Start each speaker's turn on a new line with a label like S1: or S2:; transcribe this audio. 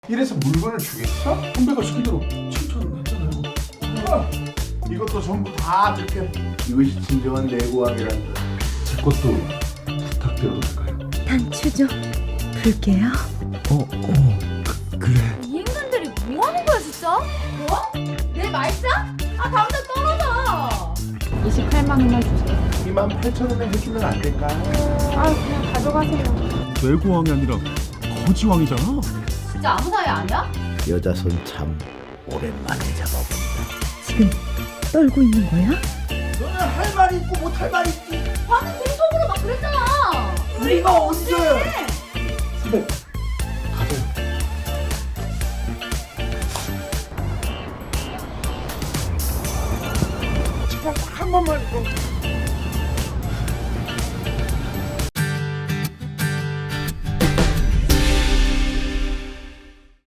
S1: 이래서 물건을 주겠어?
S2: 선배가 시키대로 칭찬했잖아요.
S1: 이것도 전부 다 저렇게 이것이 진정한 내고왕이란다.
S2: 제 것도 부탁드려도 될까요?
S3: 단추 좀 불게요.
S2: 그래.
S4: 이 인간들이 뭐 하는 거야 진짜? 뭐? 내 말싸? 아 당장 떨어져. 28만 원만 주세요.
S1: 28,000원에 해주면 안 될까?
S4: 아 그냥 가져가세요.
S2: 뇌고왕이 아니라 거지왕이잖아.
S4: 진짜 아무 사이 아니야?
S5: 여자 손 참 오랜만에 잡아본다.
S3: 지금 떨고 있는 거야?
S1: 너는 할 말이 있고 못 할 말이 있지.
S4: 방금 내 속으로 막 그랬잖아.
S1: 우리가 언제?
S2: 선배 가세요.
S1: 제발 한 번만 좀.